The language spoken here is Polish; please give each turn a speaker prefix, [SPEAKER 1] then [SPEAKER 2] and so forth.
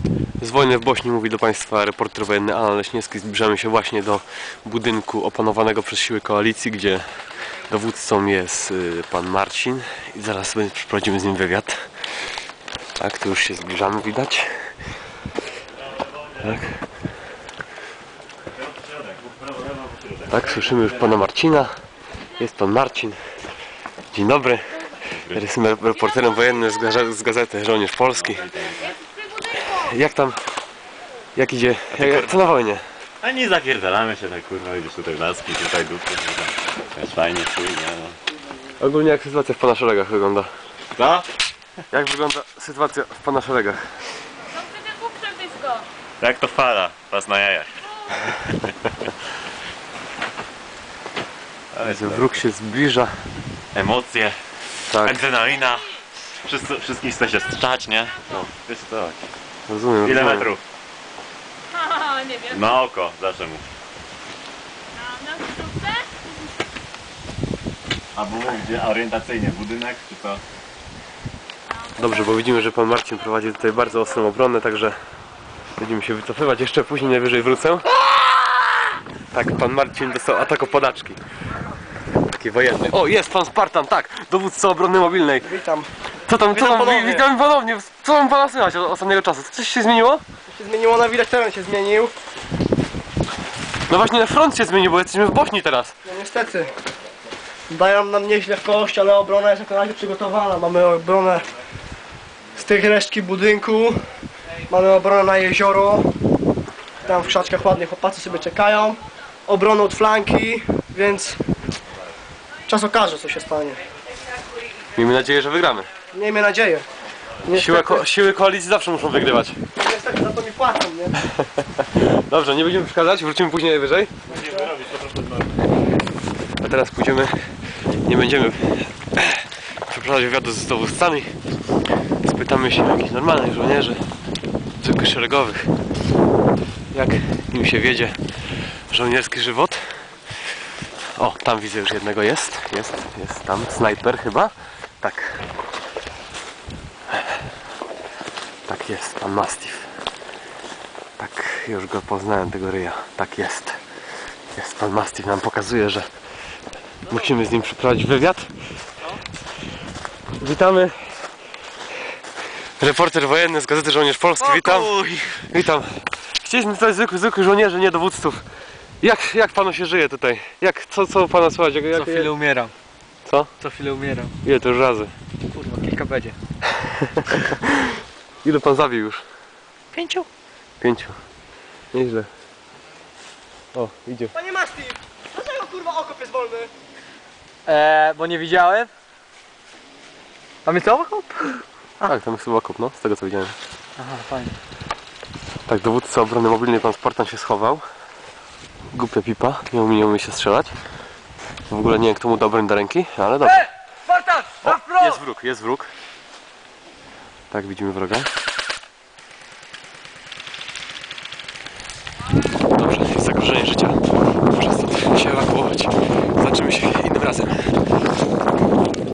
[SPEAKER 1] Z wojny w Bośni mówi do Państwa reporter wojenny Alan Leśniewski. Zbliżamy się właśnie do budynku opanowanego przez siły koalicji, gdzie dowódcą jest pan Marcin i zaraz przeprowadzimy z nim wywiad. Tak, tu już się zbliżamy, widać. Tak. Tak, słyszymy już pana Marcina. Jest pan Marcin. Dzień dobry. Ja jestem reporterem wojennym z gazety Żołnierz Polski. Jak tam? Jak idzie? Co na wojnie?
[SPEAKER 2] A nie zapierdalamy się tak, kurwa, gdzieś tutaj laski, tutaj dupy, jest fajnie, czujnie, no.
[SPEAKER 1] Ogólnie jak sytuacja w pana szeregach wygląda?
[SPEAKER 2] Co?
[SPEAKER 1] Jak wygląda sytuacja w pana szeregach?
[SPEAKER 2] Jak to fala, pas na jajach. Ale
[SPEAKER 1] Wróg się zbliża.
[SPEAKER 2] emocje,
[SPEAKER 1] Tak,
[SPEAKER 2] adrenalina, wszystkich chce się strzać, nie? No, wiesz co?
[SPEAKER 1] rozumiem.
[SPEAKER 2] Ile
[SPEAKER 1] rozumiem.
[SPEAKER 2] metrów?
[SPEAKER 3] Nie wiem.
[SPEAKER 2] Na oko, zawsze mów.
[SPEAKER 3] Na wstówce?
[SPEAKER 2] A było gdzie orientacyjnie, budynek czy co?
[SPEAKER 1] Dobrze, bo widzimy, że pan Marcin prowadzi tutaj bardzo ostrą obronę, także będziemy się wycofywać. Jeszcze później najwyżej wrócę. Tak, pan Marcin dostał atak o podaczki. Taki wojenny. O, jest pan Spartan, tak! Dowódca obrony mobilnej.
[SPEAKER 4] Witam.
[SPEAKER 1] Co tam,
[SPEAKER 4] ponownie.
[SPEAKER 1] witam ponownie. Co tam pana słychać od ostatniego czasu? Coś się zmieniło?
[SPEAKER 4] Co się zmieniło, na widać teren się zmienił.
[SPEAKER 1] No właśnie na front się zmienił, bo jesteśmy w Bośni teraz.
[SPEAKER 4] No niestety. Dają nam nieźle w kość, ale obrona jest jak na razie przygotowana. Mamy obronę z tych resztki budynku. Mamy obronę na jezioro. Tam w krzaczkach ładnie chłopacy sobie czekają. Obronę od flanki, więc czas okaże, co się stanie.
[SPEAKER 1] Miejmy nadzieję, że wygramy.
[SPEAKER 4] Miejmy nadzieję. Niestety,
[SPEAKER 1] Siły koalicji zawsze muszą wygrywać.
[SPEAKER 4] niestety za to mi płacą, nie?
[SPEAKER 1] Dobrze, nie będziemy przeszkadzać, wrócimy później najwyżej. A teraz pójdziemy, nie będziemy przeprowadzać wywiadu z dowódcami. Spytamy się jakichś normalnych żołnierzy, zwykłych szeregowych, jak im się wiedzie żołnierski żywot. O, tam widzę już jednego jest tam, snajper chyba. Tak. Tak jest, pan Mastiff. Tak, już go poznałem, tego ryja. Tak jest. Jest pan Mastiff, nam pokazuje, że musimy z nim przeprowadzić wywiad. Witamy. Reporter wojenny z gazety Żołnierz Polski, witam. Witam. Chcieliśmy tutaj zwykłych żołnierzy, nie dowódców. Jak panu się żyje tutaj? Co pana słychać?
[SPEAKER 5] Co chwilę umieram.
[SPEAKER 1] Co?
[SPEAKER 5] Co chwilę umieram.
[SPEAKER 1] Ile to już razy?
[SPEAKER 5] Kurwa, kilka będzie.
[SPEAKER 1] Ile pan zabił już?
[SPEAKER 5] 5?
[SPEAKER 1] 5. Nieźle. O, idzie.
[SPEAKER 4] Panie Masti, dlaczego kurwa okop jest wolny?
[SPEAKER 5] Bo nie widziałem. Tam jest okop?
[SPEAKER 1] Tak, tam jest chyba okop, no, z tego co widziałem.
[SPEAKER 5] Aha, fajnie.
[SPEAKER 1] Tak, dowódca obrony mobilnej, pan Spartan, się schował. Głupia pipa, nie umie się strzelać. W ogóle nie wiem, kto mu dał broń do ręki, ale dobrze.
[SPEAKER 5] Spartan!
[SPEAKER 1] O, jest wróg. Tak, widzimy wroga.